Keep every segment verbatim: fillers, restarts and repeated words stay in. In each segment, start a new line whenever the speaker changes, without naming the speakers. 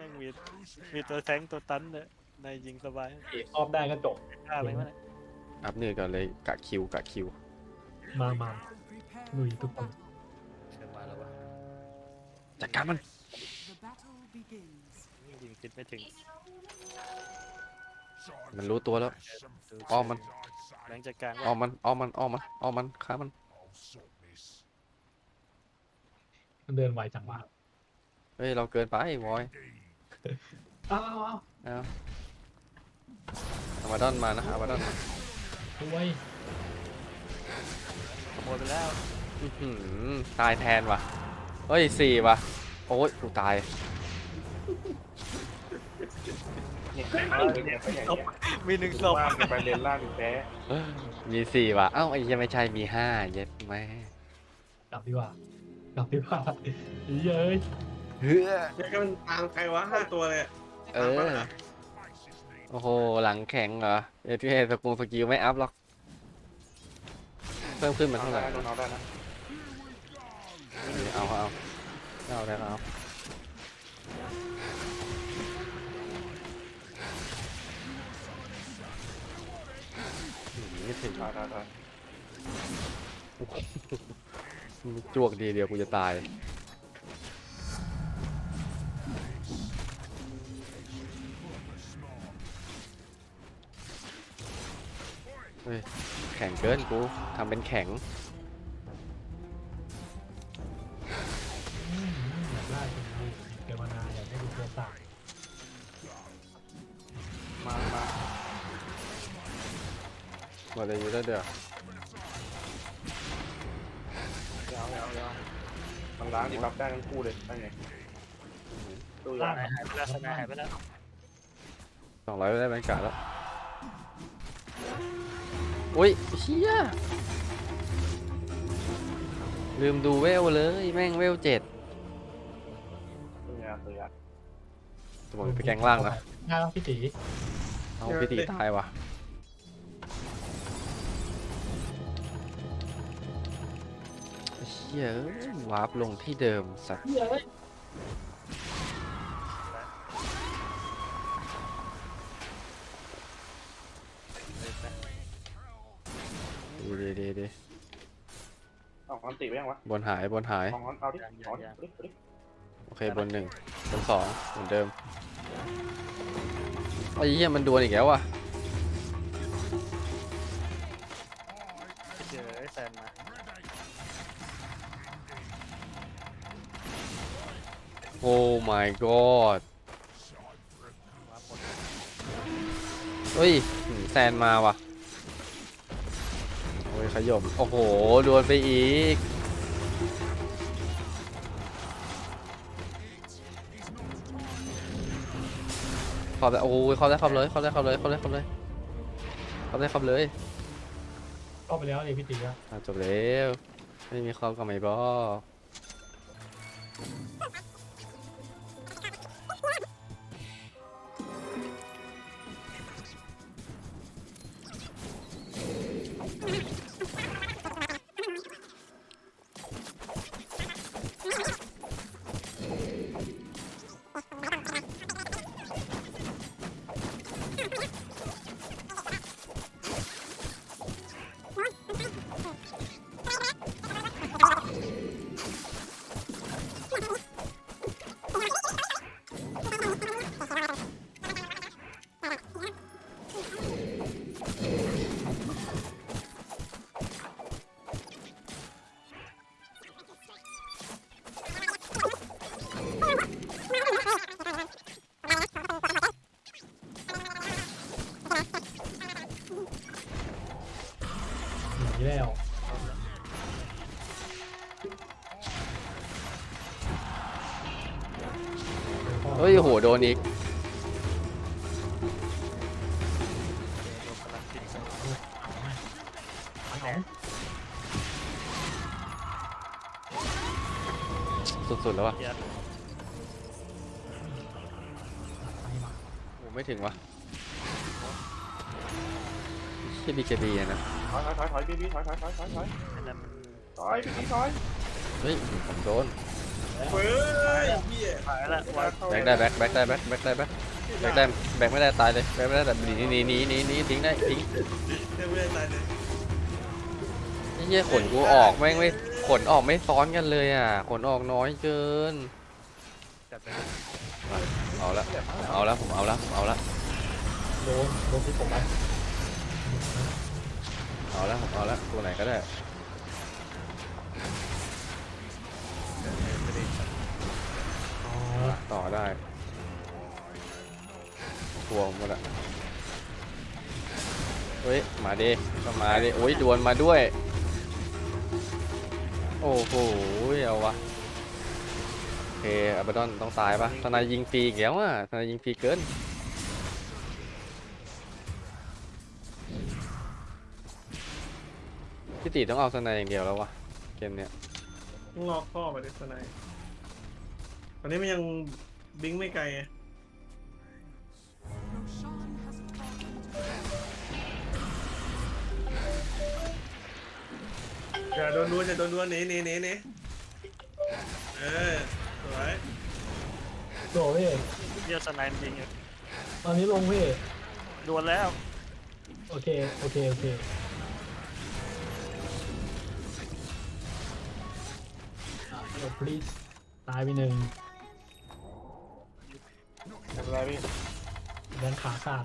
ม่งมีมีตัวแทงตัวตันเนี่ยในยิงสบาย
เอกออฟได้ก็จบ
ฆ่าอะไรวะเนี่ย
อัพเนื้อก่อนเลยกะคิวกะคิว
มามาลุยทุกคน
เชิญมาแล้ววะ
จัดการมัน
ยิงคิดไม่ถึง
มันรู้ตัวแล้วอ้อมมัน
แรงจากกลาง
อ้อมมันอ้อมมันอ้อมมันอ้อมมันฆ่ามัน
มันเดินไวจังวะ
เฮ้ยเราเกินไปวอย
อ้าวอ้าว
เอาอามาดอนมานะอามาดอนมา
ด้วย
ขโมยไปแล้ว
อื้อหือตายแทนว่ะเฮ้ยสี่ว่ะโอ้ยกูตาย
เนี่ยเออเนี่ยก็อย่างเงี้ย
มีหนึ่งศพ
ว่างจะไปเลนล่างแพ้
มีสี่ว่ะเอ้าไอ้ยังไม่ใช่มีห้าเย็ดแม่
กลับดีกว่ากลับดีกว่าเย้ย
เฮ้อ
เนี่ยก็มันตามใครวะห้าตัวเลย
เออโอ้โหหลังแข็งเหรอเอทีเอสกุลสกิลไม่อัพหรอกเพิ่มขึ้นมา
เอา
เท่าไห
ได้
ร่
เอาได้นะ
เอาเอาเอาได้เอานี่ถึง
ได้ได้ได้
จวกดีเดียวกูจะตายเฮ้ยแข็งเกินกูทำเป็นแข็ง
อืมอยากได้เป็นดูเกมนาอยากได้ดูตัวต่าง
มามา
หมดเลยอยู่แล้วเดี๋ยว
เอาเอาเอามันล้างนี่รับได้ทั้งคู่เลยได้ไงดูอ
ล่า
ย่าง
หายไปแล้วสนายหายไปแล้ว
สองร้อยได้บรรยากาศแล้วอุ้ยเชี่ยลืมดูเวลเลยแม่งเวลเจ็ด
ดูอย่างดูอย่าง
สมมติไปแกงล่างนะ
ง่ายแล้วพี่ตี
เอาพี่ตีตายว่ะเชี่ยเอ้ยวาร์ปลงที่เดิมสัตว์
เย้ย
ดีดีดีดี
เอาความติไปยังวะ
บนหายบนหาย
มองเอาดิเอาดิดิดิ
โอเคบนหนึ่งบนสองเหมือนเดิมไอ้เหี้ยมันดวลอีกแล้วว่ะ
เจอไอ้แซนมา
โอ้ my god
มาหมด
เฮ้ยหืมแซนมาว่ะโอ้ยขยมโอ้โหดวลไปอีกขอบได้โอ้ยขอบได้ขอบเลยขอบได้ขอบเลยขอบได้ขอบเลยขอบได้ขอบเลย
เข้าไปแล้วเลยพี่ตีอะ
อ่ะจบแล้วไม่มีขอบกับไม่บอก
หนีแล้ว
เฮ้ยโหโดนอีก
โดนกำลังติดส
สุดๆแล้ววะ
เกียร์
โอ้ไม่ถึงวะที่บีเคบีนะ
ถอยถอยถอยถอยพี่พี่ถอยถอยถอยถอยถอย
อันนั้นมัน
ถอยพี่พี่ถอย
เฮ้ยผมโดน
แล้
เฮ้ยเหี้ย
หายละวาง
แบกได้แบกแบกได้แบกแบกได้แบกแบกได้แบกไม่ได้ตายเลยแบกไม่ได้แต่หนีหนีหนีหนีหนีทิ้งได้ทิ้ง
เดี๋ยวไม่ได้ตายเลย
ไอ้เหี้ยขนกูออกแม่งไม่ขนออกไม่ซ้อนกันเลยอ่ะขนออกน้อยเกิน
จัดไป
เอาละเอาละผมเอาละผมเอาละ
โดนโดนที่ผมไป
เอาละผมเอาละตัวไหนก็ได้ต่อได้ตัวหมดละเฮ้ยมาดิก็มาดิโอ้ยดวลมาด้วยโอ้โหเอาวะโอเคอับดอนต้องตายปะทนายยิงฟรีอีกแล้วอ่ะทนายยิงฟรีเกินพี่ตีต้องเอาทนายอย่างเดียวแล้ววะเกมเนี้ย
ต้องรอข้อมาดิสไนตอนนี้มันยังบิงไม่ไกลไงอย่าโดนดวนอย่าโดนดวนหนีหนีหนีหนีเออสวย
โดนพี่
เยี่ยสไนด์จริงอยู่
ตอนนี้ลงพี่
ดวลแล้ว
โอเคโอเคโอเคเดี๋ยว please ตายไปหนึ่ง
ทำอะไรพี่
แดนขาขาด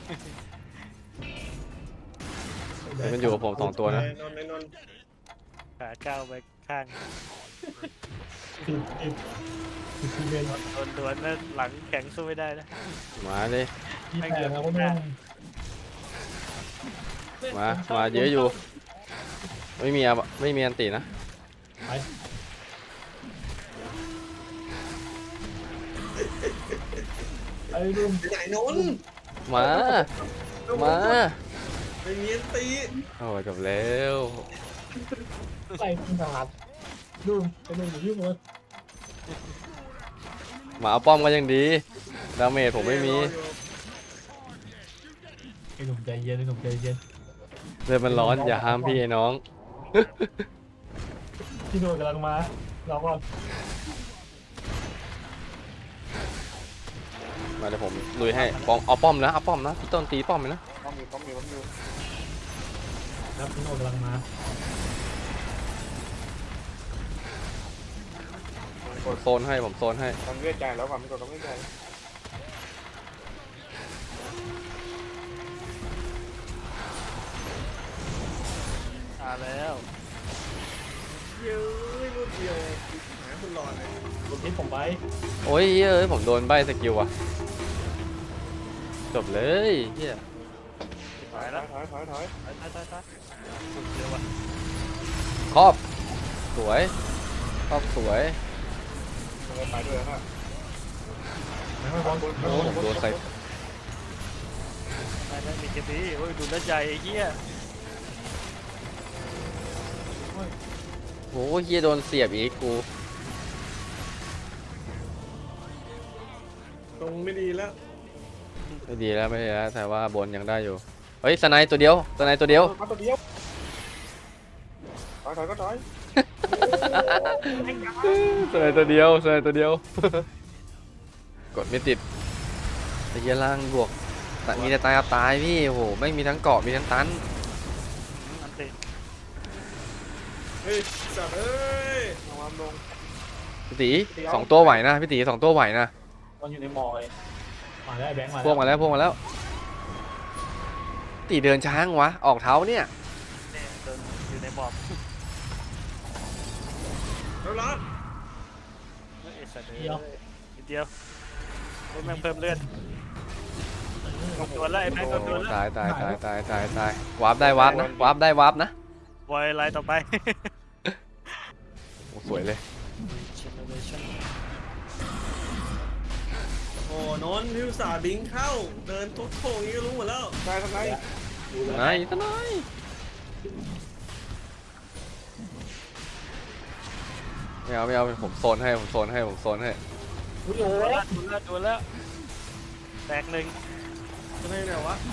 มันอยู่กับผมสองตัวนะ
นนท์ไอ้นนท์
ขาก้าวไปข้าง
ติดติดติดซีเมนต์
โดนดวนแล้วหลังแข็งสู้ไม่ได้นะ
มาเลย
ที่แตกแล้วก็นุ่ม
มามาเยอะอยู่ไม่มีอะไม่มีอันตีนะ
ไป ไอ้นุ่ม
ไปไหนนนท์
มามา
ไปเมียนตี
โอ้ยจบแล้ว
ใส่ขนาดนุ่มไอ้นุ่มอยู่ที่มือ
มาเอาป้อมก็ยังดีดาเมจผมไม่มี
ไอ้หนุ่มใจเย็นไอ้หนุ่มใจเย็น
เลยมันร้อนอย่าห้ามพี่ไอ้น้อง
พี่นุ่มกำลังมาเราก็
มาเดี๋ยวผมลุยให้ป้อมเอาป้อมนะเอาป้อมนะพี่ต้นตีป้อมเลยนะ
ป้อมอยู่ป้อมอยู่ป้อมอยู่
ครับพี่นุ่มกำลังมา
ผมโซนให้ผมโซนให้
ทำเลือดใจแล้วก่อนไม่กดต้องเลือดใจ
อ่าแล้ว
เย้ยรูดเดียวหาคุณรอเลย
รถที่ผมไป
โอ้ยเอ้ยผมโดนใบสกิลว่ะจบเลยเฮีย
ถอยถอยถอยถอยถอย
ตายตายตายตายสุดเร็วว่ะ
ครอบสวยครอบสวย
มันเลยไปด้วยนะ
ไม่ไม่บอล
โอ้ผมโดนใส่
ตายแล้วมีเจดีโอ้ยดูแลวใจไอ้เหี้ย
โอ้ยเฮียโดนเสียบอีกกู
ตรงไม่ดีแล้ว
ไม่ดีแล้วไม่ดีแล้วแต่ว่าบนยังได้อยู่เฮ้ยสไนด์ตัวเดียวสไนด์ตัวเดียว
มาตัวเดียวถอยถอยก็ถอย
สไนด์ตัวเดียวสไนด์ตัวเดียว กดไม่ติดไอ้เหี้ยล่างบวกแต่มีแต่ตายกับตายพี่โอ้โหไม่มีทั้งเกาะมีทั้งตัน
อันติ
เฮ้ยสัตว์เอ้ย
ระวังลง
พี่ตีสองตัวไหวนะพี่ตีสองตัวไหวนะ
บอลอยู่ในมอเลยมาได้แบงค์มา
พวกมาแล้วพวกมาแล้วตีเดินช้างวะออกเท้าเนี่ย
เนี่ยโดนอยู่ในหมอบ
แล้วรับ
เฮ้ยไอ้สัตว์เดียวนิดเดียวเฮ้ยแม่งเพิ่มเลือดตัวแล้วไอ้แม่งก็ตัวแล้ว
ตายตายตายตายตายตายวาร์ปได้วาร์ปนะวาร์ปได้วาร์ปนะ
บอยไลน์ต่อไป
โอ้สวยเลย
Generation
โอ้นนท์พิวสาห์บิงเข้า เดินทุกโค้งนี้ก็รู้หมดแล้ว
นายทำไง
ไหนตะไหนไม่เอาไม่เอาผมโซนให้ผมโซนให้ผมโซนให้
โอ้โห
ตัวแล้วตัวแล้วตัวแล้วแตกหนึ่ง
ทำไมเนี่ยวะ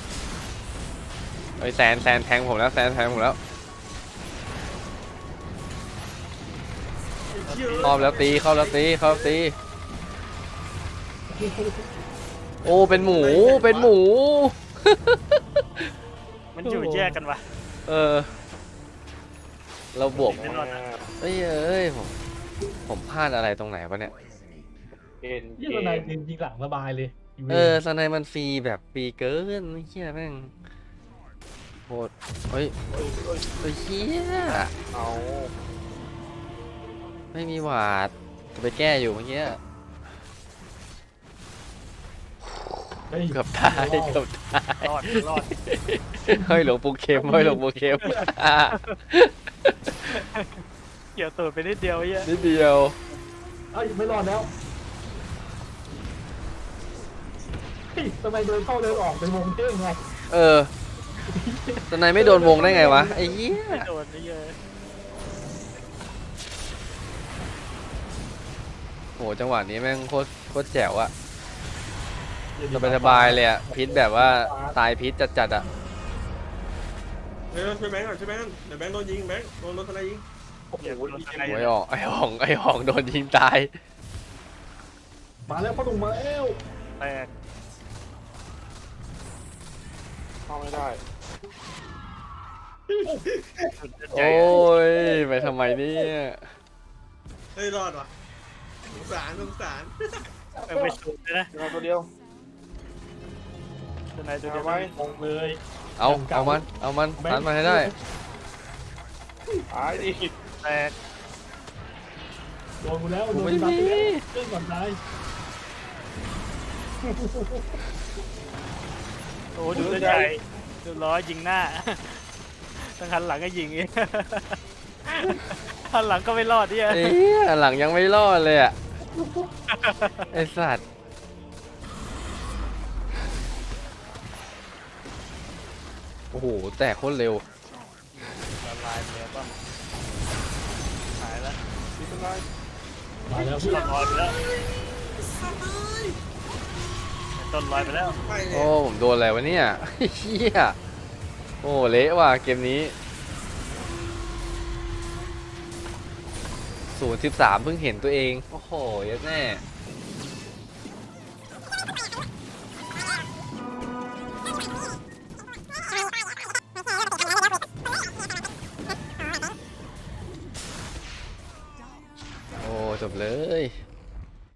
ไอ้ยแซนแซนแทงผมแล้วแซนแทงผมแล้ว
ยเชี่ย
เข้าแล้วตีเข้าแล้วตีเข้าแล้วตีโอ้เป็นหมูเป็นหมู
มันอยู่แยกกันวะ
เออเราบวก
ไม่รอดนะ
เอ้ยเอ้ยผมผมพลาดอะไรตรงไหนวะเนี่ย
เอ็นเก
ยี่ตัวไหน
ม
ยิงหลังสบายเลย
เออสไนมันฟรีแบบฟรีเกินไอ้เหี้ยแม่งโหดเฮ้ยเฮ้ยเหี้ย
เอา
ไม่มีหวาดจะไปแก้อยู่เมื่อกี้
เฮ้ย
เกือบตายเกือบตาย
รอดรอด
เฮ้ยหลวงปู่เข็มเฮ้ยหลวงปู่เข็ม
เกี่ยวตูดไปนิดเดียวไอ้เหี้ย
นิดเดียว
เอ้ยไม่รอดแล้วเฮ้ยทำไมเดินเข้าเดินออกเป็นวงเท่งไง
เออสไนไม่โดนวงได้ไงวะไอ้เหี้ย
ไม่โดนไอ้เหี้ย
โหจังหวะนี้แม่งโคตรโคตรแจ๋วอะสบายสบายๆเลยอะพิษแบบว่าตายพิษจัดๆอะ
เฮ้ยช่วยแบงค์ก่อนช่วยแบงค์เดี๋ยวแบงค์โดนยิงแบงค์โดนรถอะไรยิง
เกี่ยวโดนอะไร
ไอ้หองไอ้หองไอ้หองโดนยิงตาย
มาแล้วพ่อหนุ่มมาแล้ว
แตก
เข้าไม่ได้
โอ้ยไปทำไมเนี่ย
เฮ้ยรอดว่ะสงสารสงสาร
เอาไปสูดเลยนะ
เดี๋ยวตัวเดียว
ตัวไหนตัวเดียว
เอาไว้
ลงเลย
เอาเอามันเอามันตันมาให้ได้
ตายดิ
แตก
โดนกูแล้ว
กู
โดน
ไม่
ที่บัฟ
มี
ไปแล้วขึ้นก่อนตาย
โอ้ดูตัวใหญ่ดูล้อยิงหน้าตั้งหันหลังก็ยิงอีกหันหลังก็ไม่รอดเนี่ย
เอ๊ะหลังยังไม่รอดเลยอะไอสัตว์โอ้โหแตกโคตรเร็ว
ละลายเลยป่ะหายแล้ว
นี่เป็นไร
มาแล้วพี่
ต้นลอยไปแล้วต้นลอยไปแล้ว
ไปเล
โอ้
ย
ผมโดนอะไรวะเนี่ยเฮียโอ้เละว่ะเกมนี้ศูนย์สิบสามเพิ่งเห็นตัวเองโอ้โหเยัดแน่โอ้จบเลย